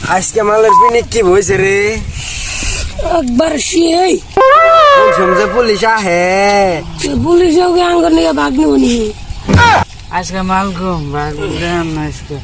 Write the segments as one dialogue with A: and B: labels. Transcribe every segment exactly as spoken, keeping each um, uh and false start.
A: আজকে মালের পিনিক কি হয়েছে রে?
B: একবার সেই
A: সমঝে পুলিশ আহে,
B: পুলিশ আঙ্গর নিয়ে ভাগ নেব নি।
C: আজকে মাল কম ভাগ দেন না আজকে।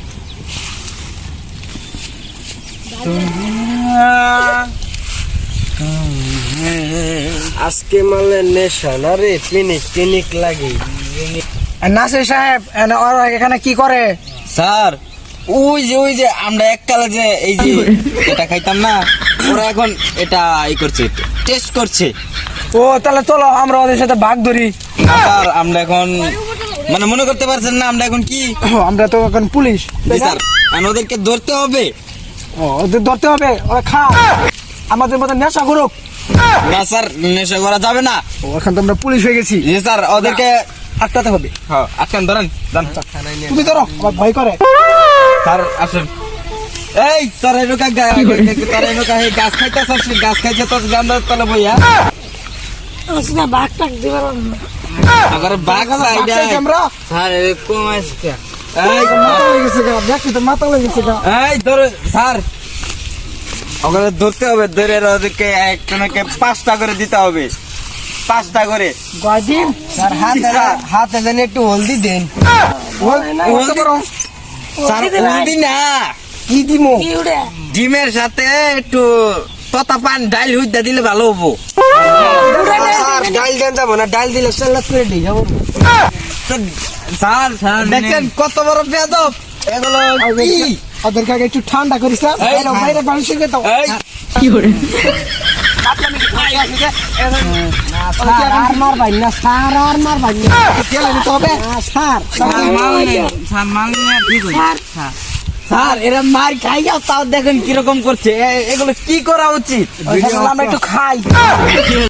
A: আজকে মালের নেশা না রে, পিনিক পিনিক লাগে।
C: নাসির সাহেব এখানে কি করে?
D: স্যার ওই যে ওই যে আমরা এককালে যে এই যে এটা খাইতাম না, ওরা এখন এটা ই করছে, টেস্ট করছে।
C: ও তাহলে চলো আমরা ওদের সাথে ভাগ ধরি।
D: স্যার আমরা এখন মানে মনে করতে পারছেন না আমরা এখন কি?
C: আমরা তো এখন পুলিশ।
D: জি স্যার, আর ওদেরকে ধরতে হবে।
C: ও ওদের ধরতে হবে, ওরা খা আমাদের মতো নেশা করুক।
D: না স্যার, নেশা করা যাবে না।
C: ও এখন তো আমরা পুলিশ হয়ে গেছি।
D: জি স্যার, ওদেরকে
C: আটকাতে হবে।
D: হ্যাঁ আটকান, ধরেন যান।
C: তুমি ধরো, আমার ভয় করে।
D: স্যার আসুন। এই তোর এনুকা তোর এনুকা এই গাছ খাইতে স্যার, গাছ খাইছে তোর গান্ধার তলে বইয়া
B: আজকে ভাগ টাক দিবার না।
D: আবার বাঘ সাইডে
C: আমরা
D: স্যার এরকম আজকে।
C: এই মাথা হয়ে গেছে গা, দেখি তো মাথা হয়ে গেছে গা।
D: এই ধর স্যার, ওখানে ধরতে হবে, ধরে ওদেরকে একজনকে পাঁচটা করে দিতে হবে, পাঁচটা করে।
C: গয়দিন
A: স্যার হাতে হাতে যেন একটু হলদি দেন।
D: হলদি- স্যার হলদি না,
A: কি দিমো?
B: কি উড়ে
D: ডিমের সাথে একটু ততা পান ডাইল হুইদা দিলে ভালো হবো।
A: স্যার ডাল দেন যাবো না, ডাল দিলে সালাদ করে দিই যাবো।
D: তো স্যার স্যার দেখছেন কত বড় বেয়াদব এগুলো কি?
C: ওদেরকে আগে একটু ঠান্ডা করিস না,
D: এই,
C: বাইরে বাইরে বাড়ি শিখে দাও।
D: এই
A: আর মার ভাই না, স্যার আর মার ভাই না।
C: গেলে নিতে হবে।
A: স্যার
D: স্যার মাল নেই, স্যার মাল নিয়ে ঠিক হয়েছে। স্যার এরা মার খাই যাও, তাও দেখেন কিরকম করছে। এ- এগুলো কি করা উচিত?
C: আমরা একটু খাই।